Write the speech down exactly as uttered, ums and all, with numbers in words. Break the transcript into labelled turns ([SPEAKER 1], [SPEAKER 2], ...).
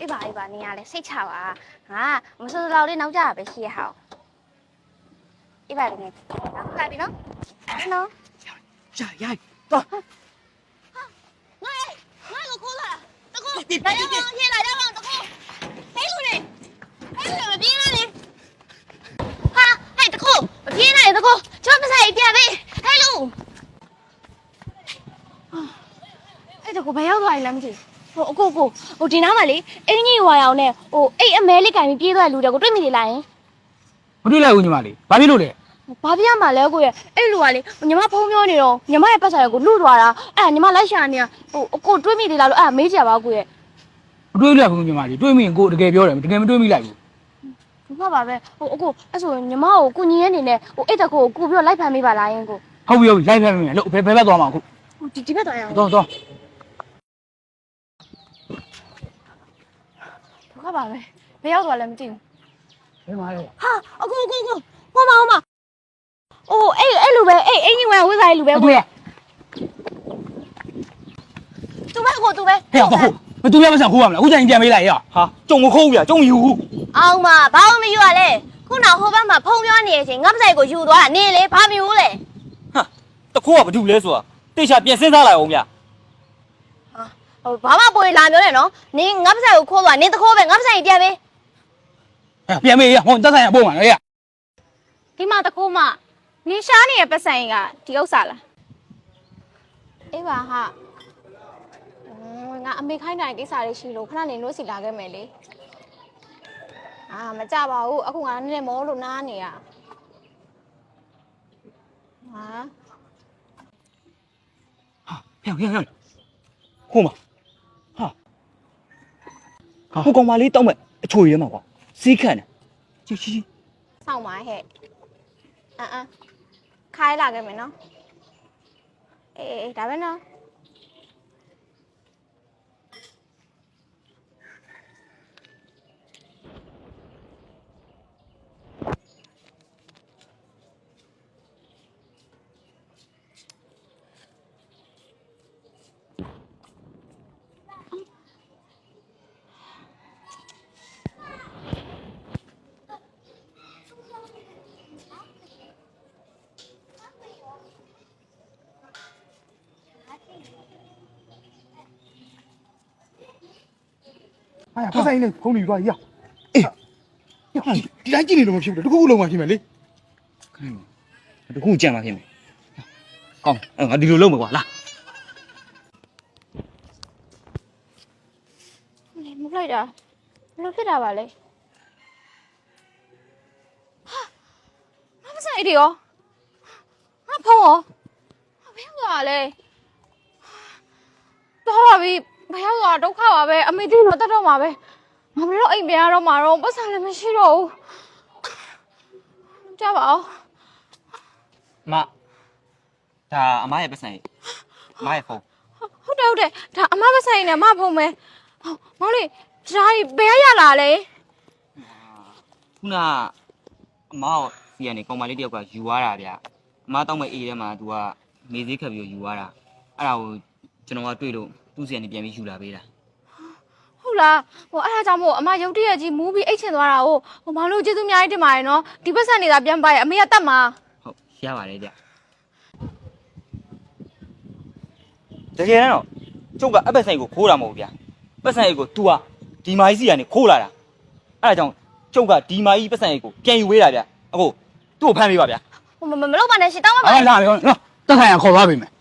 [SPEAKER 1] အေးပါအေးပါနေရလဲစိတ်ချပါငါမစိုးလောက်လေးနောက်ကြရပဲရှိရဟောက်အေးပါတကယ်နောက်ခါပြီနော်နော်
[SPEAKER 2] ရရတော့
[SPEAKER 1] ငါငါကိုခိုးလာတကူဒါရအောင်ပြေးလာရအောင်တကူဟဲ့လူလေဟဲ့လူမပြေးလာလေဟာဟဲ့တကူမပြေးနိုင်တကူကျောင်းမဆိုင်ပြန်ပြီဟဲ့လူအဲ့တကူဘယ်ရောက်သွားလဲမသိဟိုအကိုကိုဟိုဒီနားမှာလေအင်းကြီးဝါရောင်နဲ့ဟိုအိတ်အမဲလေးကင်ပြီးပြေးသွားလူတွေကိုတွေ့မိနေလားယင်
[SPEAKER 3] မတွေ့လိုက်ဘူးညီမလေးဘာဖြစ်လို့လဲ
[SPEAKER 1] ဘာပြရမှာလဲကိုရဲ့အဲ့လူကလေညီမဖုံးပြောနေတော့ညီမရဲ့ပတ်ဆိုင်ကိုလူသွားတာအဲ့ညီမလိုက်ရှာနေဟိုအကိုတွေးမိသေးလားလို့အဲ့မေးကြပါကိုရဲ့
[SPEAKER 3] မတွေ့လိုက်ဘူးညီမလေးတွေးမိရင်ကိုတကယ်ပြောတယ်တကယ်မတွေးမိလိုက်ဘူး
[SPEAKER 1] ဘူးကပါပဲဟိုအကိုအဲ့ဆိုညီမကိုကုညီရဲ့အနေနဲ့ဟိုအိတ်တကိုကိုပြီးတော့လိုက်ဖမ်းမိပါလားယင်ကို
[SPEAKER 3] ဟုတ်ပြီဟုတ်ပြီလိုက်ဖမ်းမိမယ်လို့ဘယ်ဘက်သွားမှာအခု
[SPEAKER 1] ဟိုဒီဒီဘက်သွားရအောင်
[SPEAKER 3] တော့တော့
[SPEAKER 1] ဘူးကပါပဲဘယ်ရောက်သွားလဲမသိဘူး
[SPEAKER 3] ဘယ်မှာလဲ
[SPEAKER 1] ဟာအကိုအကိုကိုဟောမဟောမအိုးအဲ့အဲ့လူပဲအဲ့အင်းကြီးဝင်ဝိစားလူပဲကိုရဲ့သူပဲကိုသူပဲ
[SPEAKER 3] ဟဲ့ဟုတ်မသူရမဆန်ခိုးရမလားအခုချိန်ပြန်ပေးလိုက်ရ
[SPEAKER 2] ဟာကြုံမခိုးဘူးဗျာကြုံမယူဘူး
[SPEAKER 1] အောင်မဘာမှမယူရလဲခုနောက်ဟိုဘက်မှာဖုံပြောနေတဲ့အချိန်ငါ့ပဆိုင်ကိုယူသွားတာနင်းလေဘာမယူလဲ
[SPEAKER 2] ဟာတခိုးကဘာတူလဲဆိုတာတေချာပြန်စဉ်းစားလိုက်အောင်ဗျာ
[SPEAKER 1] ဟိုဘာမှပိုလာမျိုးနဲ့နော်နင်းငါ့ပဆိုင်ကိုခိုးသွားနင်းတခိုးပဲငါ့ပဆိုင်ပြန်ပေး
[SPEAKER 3] ဟဲ့ပြန်ပေးရဟိုတက်ဆိုင်ရပို့မှာလေရ
[SPEAKER 1] ဒီမှာတခိုးမနင်းရှားနေတဲ့ပဆိုင်ကဒီဥစ္စာလားအေးပါဟာငါအမေခိုင်းတိုင်းကိစ္စလေးရှိလို့ခဏနေလို့စီလာခဲ့မယ်လေအာမကြပါဘူးအခုငါနည်းနည်းမောလို့နားနေရဟာ
[SPEAKER 3] ဟာဖျောက်ဖျောက်ဖျောက်ခိုးမှာဟာ
[SPEAKER 2] ဟိုကောင်မလေးတောက်မဲ့အချိုရဲမှာကွာစီးခန့်တယ်ချီချီ
[SPEAKER 1] စောင့်ပါဟဲ့အမ်အမ်ခိုင်းလာခဲ့မယ်နော်အေးအေးဒါပဲနော်
[SPEAKER 4] 哎呀，不是呢，红绿多呀！哎，ဒီတိုင်းကြည့်နေလို့မဖြစ်ဘူးတခုခုလုံးမှဖြစ်မယ်လေ
[SPEAKER 2] တခုကြံမှာဖြစ်မယ်ကောင်းအဲ့ငါဒီလိုလုပ်မယ်ကွာလာ
[SPEAKER 1] လေမလိုက်တာဘယ်လိုဖြစ်တာပါလဲဟာမမဆိုင်ဒီရောဟာဖုံးရောဘယ်ရောက်လဲတော့ပါပြီဘယ်ရောက်တော့ဒုက္ခပါပဲအမေသိတော့တတ်တော့မှာပဲငါဘယ်တော့အိမ်ပြန်ရတော့မှာတော့ပတ်စံလည်းမရှိတော့ဘူးကြပါဦး
[SPEAKER 2] မဒါအမရဲ့ပတ်စံကြီးအမရဲ့ဖုန်း
[SPEAKER 1] ဟုတ်တယ်ဟုတ်တယ်ဒါအမပတ်စံကြီးနဲ့အမဖုန်းပဲမောင်လေးဒါဘယ်ရလာလဲ
[SPEAKER 2] ခုနအမရောစီကနေကောင်မလေးတယောက်ကယူသွားတာဗျအမတောက်မဲ့အေးထဲမှာ तू ကမေးသေးခက်ပြီးယူသွားတာအဲ့ဒါကိုကျွန်တော်ကတွေ့လို့သူ့စီကနေပြန်ပြီးယူလာပေးတာ
[SPEAKER 1] ဟုတ်လားဟိုအဲ့ဒါကြောင့်မို့အမရုတ်တရက်ကြီးမူးပြီးအိတ်ချင်သွားတာဟိုဟိုမောင်လို့ကျေးဇူးအများကြီးတင်ပါတယ်နော်ဒီပတ်စံနေတာပြန်ပါရဲ့အမေကတတ်မှာ
[SPEAKER 2] ဟုတ်ရပါတယ်ဗျတကယ်တော့ကျုပ်ကအပတ်ဆိုင်ကိုခိုးတာမဟုတ်ဗျပတ်ဆိုင်ကို तू ကဒီမာကြီးစီကနေခိုးလာတာအဲ့ဒါကြောင့်ကျုပ်ကဒီမာကြီးပတ်ဆိုင်ကိုပြန်ယူဝေးတာဗျအခုသူ့ကိုဖမ်းပေးပါဗျ
[SPEAKER 1] ဟိုမမလုပ်ပါနဲ့ရှင်တောင်းပါပါ
[SPEAKER 3] ဟာလာပြီနော်တက်ဆိုင်ရခေါ်သွားပြီမယ်